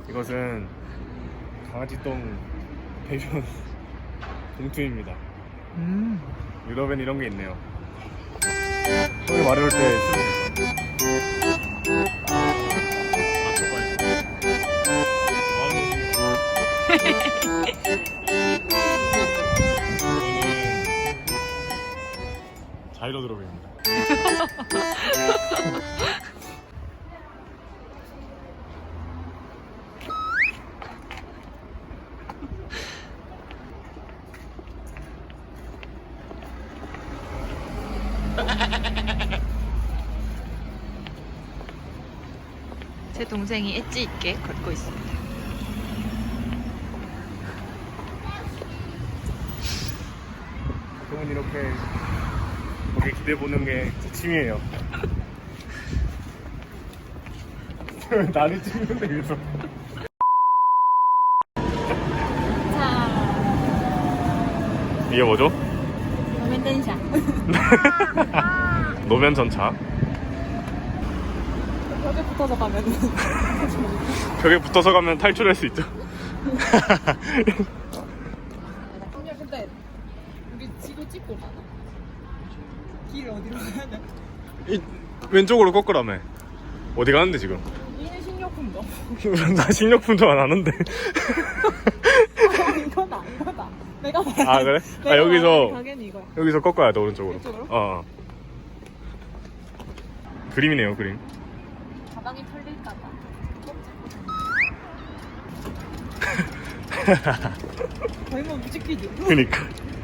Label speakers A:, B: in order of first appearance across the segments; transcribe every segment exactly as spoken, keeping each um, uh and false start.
A: 이것은 강아지똥 대변 봉투입니다.
B: 음.
A: 유럽엔 이런 게 있네요. 형이 마려울 때 쓰는 거. 아, 저거요. 이거는 자이로 드롭입니다.
B: 제 동생이 엣지 있게 걷고 있습니다.
A: 보통은 이렇게 거기 기대 보는 게 제 취미예요. 나를 찍는데 위해서.
B: 자,
A: 이게 뭐죠?
B: 노면 댄샤.
A: 노면 전차.
B: 벽에 붙어서 가면.
A: 벽에 붙어서 가면 탈출할 수 있죠.
B: 근데 우리 지도 찍고 가나? 길 어디로 가야 돼?
A: 이, 왼쪽으로 꺾으라며. 어디 가는데 지금?
B: 이는 식료품도.
A: 나 식료품도 안 하는데.
B: 아, 이거다, 이거다. 내가 말한.
A: 아 그래?
B: 내가
A: 아 여기서
B: 말한 가게는 이거야.
A: 여기서 꺾어야 돼 오른쪽으로.
B: 이쪽으로?
A: 어. 그림이네요 그림.
B: 가방이 털릴까봐. 거의 뭐 뮤직비디오.
A: 그니까.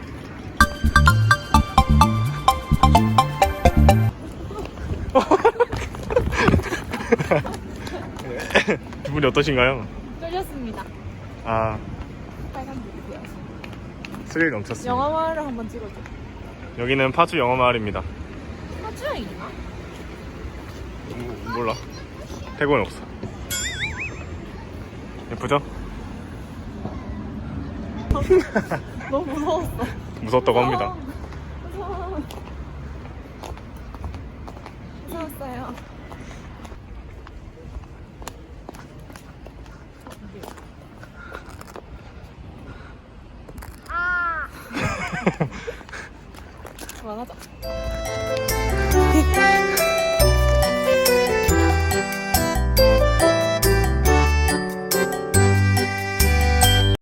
A: 기분이 어떠신가요?
B: 쫄렸습니다.
A: 아
B: 빨간 불이고요.
A: 스릴 넘쳤습니다.
B: 영화화를 한번 찍어줘.
A: 여기는 파주 영어마을입니다.
B: 파주에 있나?
A: 뭐, 몰라. 태국은 없어. 예쁘죠?
B: 너무 무서웠어.
A: 무섭다고 합니다.
B: 무서워. 무서웠어요. 아. 그만하자.